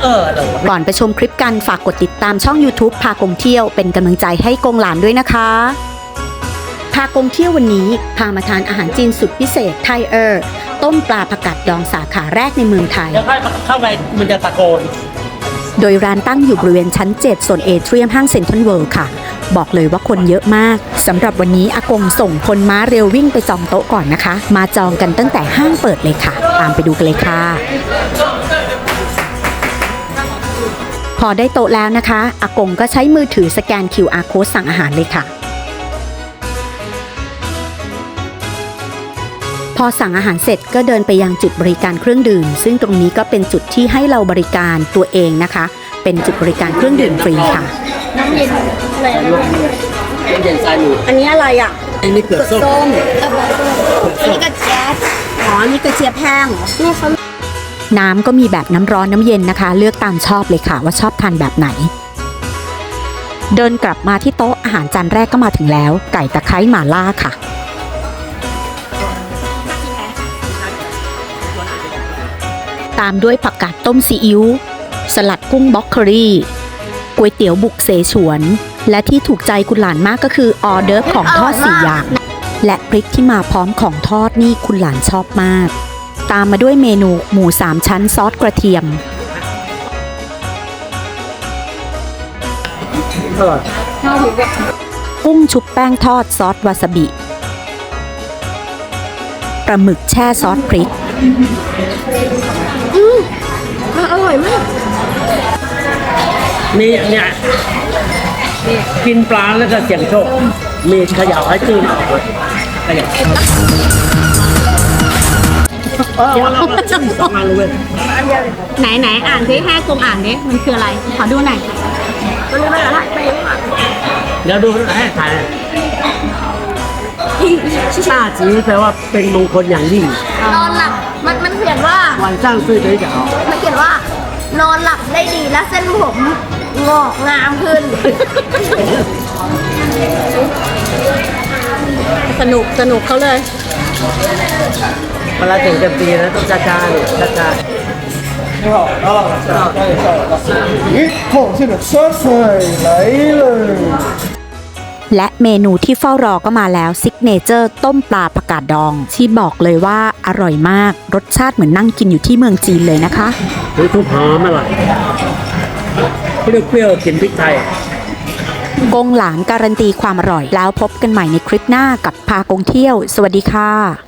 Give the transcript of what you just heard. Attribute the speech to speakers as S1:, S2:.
S1: ก่อนไปชมคลิปกันฝากกดติดตามช่อง YouTube พากงเที่ยวเป็นกำลังใจให้กงหลานด้วยนะคะพากงเที่ยววันนี้พามาทานอาหารจีนสุดพิเศษไทเออร์ต้มปลาผักกาดดองสาขาแรกในเมืองไทย
S2: เดี๋ยวเข้าไปมันจะตะโกน
S1: โดยร้านตั้งอยู่บริเวณชั้น 7 ส่วนเอเทียมห้างเซ็นทรัลเวิลด์ค่ะบอกเลยว่าคนเยอะมากสำหรับวันนี้อากงส่งคนม้าเร็ววิ่งไปจองโต๊ะก่อนนะคะมาจองกันตั้งแต่ห้างเปิดเลยค่ะตามไปดูกันเลยค่ะพอได้โต๊ะแล้วนะคะอากงก็ใช้มือถือสแกน QR Code สั่งอาหารเลยค่ะพอสั่งอาหารเสร็จก็เดินไปยังจุดบริการเครื่องดื่มซึ่งตรงนี้ก็เป็นจุดที่ให้เราบริการตัวเองนะคะเป็นจุดบริการเครื่องดื่มฟรีค่ะ
S3: น้ำเย็นอะไรนะ
S2: น้ำเย็นทรายหมู
S3: อันนี้อะไรอ่ะ
S2: อันนี้เปลือกส้ม
S3: อันนี้กระเจี๊ยบอ๋ออันนี้กระเจี๊ยบแห้งนี่เขา
S1: น้ำก็มีแบบน้ำร้อนน้ำเย็นนะคะเลือกตามชอบเลยค่ะว่าชอบทานแบบไหนเดินกลับมาที่โต๊ะอาหารจานแรกก็มาถึงแล้วไก่ตะไคร้หม่าล่าค่ะตามด้วยผักกาดต้มซีอิ๊วสลัดกุ้งบล็อกโคลี่ก๋วยเตี๋ยวบุกเสฉวนและที่ถูกใจคุณหลานมากก็คือออเดิร์ฟของทอด4อย่างและพริกที่มาพร้อมของทอดนี่คุณหลานชอบมากตามมาด้วยเมนูหมู3ชั้นซอสกระเทียมกุ้งชุบแป้งทอดซอสวาซาบิปลาหมึกแช่ซอสพริก
S3: อร่อยมาก
S2: มีเนี่ยกินปลาแล้วก็เสี่ยงโชคมีเขย่าให้ตื่นออกเลยเขย่าสองอันเลย
S3: ไหนอ่านสิให้กลมอ่านดิมันคืออะไรขอดูหน่อยมันไม่อะไร
S2: เดี๋ยวดูให้ถ่ายชาจีแปลว่าเป็นมงคลอย่างยิ่ง
S3: นอนหลับมันเขียนว่า
S2: วันจ้างซื้อเลยจ้ะ
S3: มันเขียนว่านอนหลับได้ดีและเส้นผมงอกงามขึ้นสนุกเขาเลย
S2: เวลาถึงจะปีนะต้องจ้าจ้า
S4: 一套这个酸菜来了
S1: และเมนูที่เฝ้ารอก็มาแล้วซิกเนเจอร์ต้มปลาผักกาดดองที่บอกเลยว่าอร่อยมากรสชาติเหมือนนั่งกินอยู่ที่เมืองจีนเลยนะคะ
S2: ทุกหอมอร่อยเปรี้ยวๆกลิ่นพริกไทย
S1: กงหลานการันตีความอร่อยแล้วพบกันใหม่ในคลิปหน้ากับพากงเที่ยวสวัสดีค่ะ